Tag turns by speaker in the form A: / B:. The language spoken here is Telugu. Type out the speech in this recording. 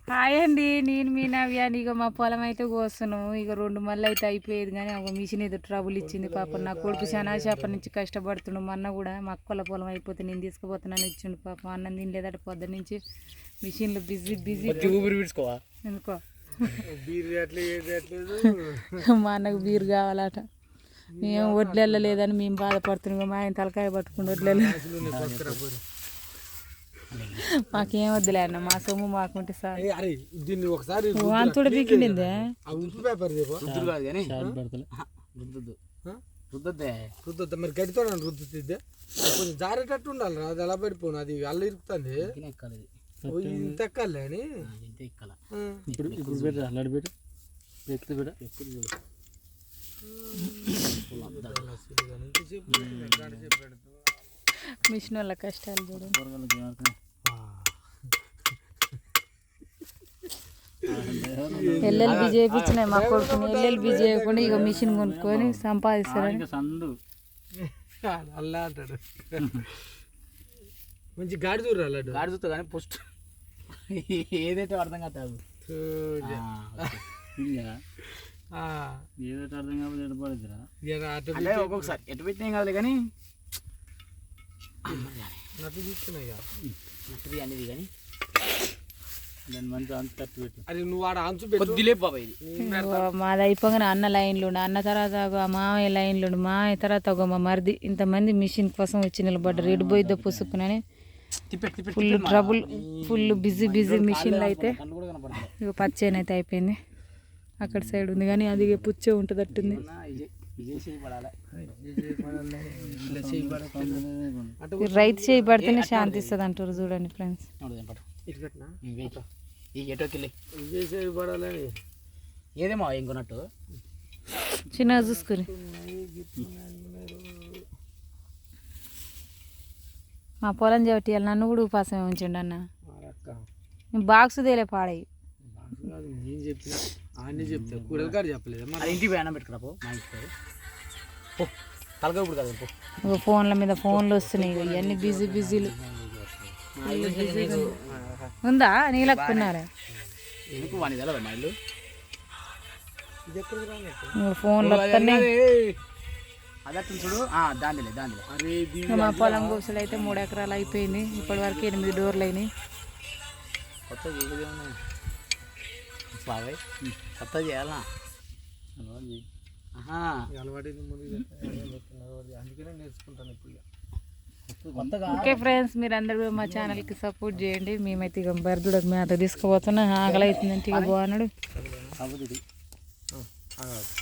A: హాయ్ అండి, నేను మీ నవ్య. ఇక మా పొలం అయితే కోస్తున్నాం. ఇక 2 మళ్ళీ అయితే అయిపోయేది, కానీ ఒక మిషన్ ఏదో ట్రబుల్ ఇచ్చింది. పాపం నా కొడుకు శనాశాప నుంచి కష్టపడుతుండు. మా అన్న కూడా మా అక్కల పొలం అయిపోతే నేను తీసుకుపోతున్నాను ఇచ్చిండు. పాపం అన్నం తినలేదట పొద్దు నుంచి. మిషన్లు బిజీ ఎందుకో మా అన్నకు బీరు కావాలట. మేము వడ్లెళ్ళలేదని మేము బాధపడుతున్నాం. మా ఆయన తలకాయ పట్టుకుంటూ వడ్లెళ్ళ మాకేం వద్దులే అన్న, మా సొమ్ము మాకుంటే సార్. అంతుడు బీకిండిందే
B: మరి గడితో రుద్దుతుంది. కొంచెం జారేటట్టు ఉండాలి. అది ఎలా పడిపోను, అది అల్ల ఇరుకుతుంది. ఇంత ఎక్కాలి అని
A: మిషన్ వాళ్ళ కష్టాలు చూడు. ఎల్ఎల్బి చేయించినాయి మా కొడుకుని. ఎల్ఎల్బి చేయకుండా ఇక మిషన్ కొనుక్కొని సంపాదిస్తారని
B: అల్లా అంటాడు. మంచి గాడి చూడాలి.
C: గాడి చూస్తా కానీ పోస్ట్ ఏదైతే అర్థం కాదు ఏదైతే అర్థం కాకపోతే ఎటు పడుద్దిరా. ఒక్కొక్కసారి ఎటు పెట్టినాం కాదు కానీ
B: నట్టు తీసుకున్నాయి
C: నట్టుది అనేది కానీ దాని మంచి అంత తట్టు పెట్టు.
B: అది నువ్వు ఆడ అంచు
C: కొద్దిలే బాబాయ్.
A: మాది అయిపోగానే అన్న లైన్లు ఉండు, అన్న తర్వాత మామయ్య లైన్లు ఉండు, మామయ్య తర్వాత మా మరిది. ఇంతమంది మిషన్ కోసం వచ్చి నిలబడ్డారు. రెడ్ పోయిద్దో పుసుకునని ఫుల్ ట్రబుల్, ఫుల్ బిజీ మిషన్లు అయితే. ఇక పచ్చేనైతే అయిపోయింది. అక్కడ సైడ్ ఉంది కానీ అది పుచ్చే ఉంటుంది అట్టుంది. రైతు చేయి పడితేనే శాంతి ఇస్తుంది అంటారు. చూడండి ఫ్రెండ్స్,
C: ఏదేమో ఇంకొన్నట్టు
A: చిన్నగా చూసుకుని. మా పొలం చెబుతాయి నన్ను కూడా ఉపాసమే ఉంచండి అన్న. బాక్స్ తేలే పాడయి.
B: నేను చెప్పిన అన్నీ చెప్తా, కూరలు కాదు చెప్పలేదు.
C: ఇంటికి ప్రయాణం పెట్టుకురా పో. మా ఇంటికి తలగా ఇప్పుడు కదా
A: ఫోన్ల మీద ఫోన్లు వస్తున్నాయి. ఇవన్నీ బిజీలు ఉందా నీళ్ళకున్నారా
C: మా ఇల్లు
A: ఫోన్లు వస్తున్నాయి.
C: అదట్టు చూడు. దాంట్లో
A: మా పొలం కోసలు అయితే 3 ఎకరాలు అయిపోయింది. ఇప్పటి వరకు 8 డోర్లు అయినాయి.
C: కొత్త బాబాయ్ కొత్త చేయాలా
B: అలవాటు అందుకనే నేర్చుకుంటాను ఇప్పుడు.
A: ఓకే ఫ్రెండ్స్, మీరు అందరూ మా ఛానల్కి సపోర్ట్ చేయండి. మేమైతే ఇక బర్దుడకు మేత తీసుకుపోతున్నా. ఆకలి అవుతుందంటే ఇక బాగున్నాడు.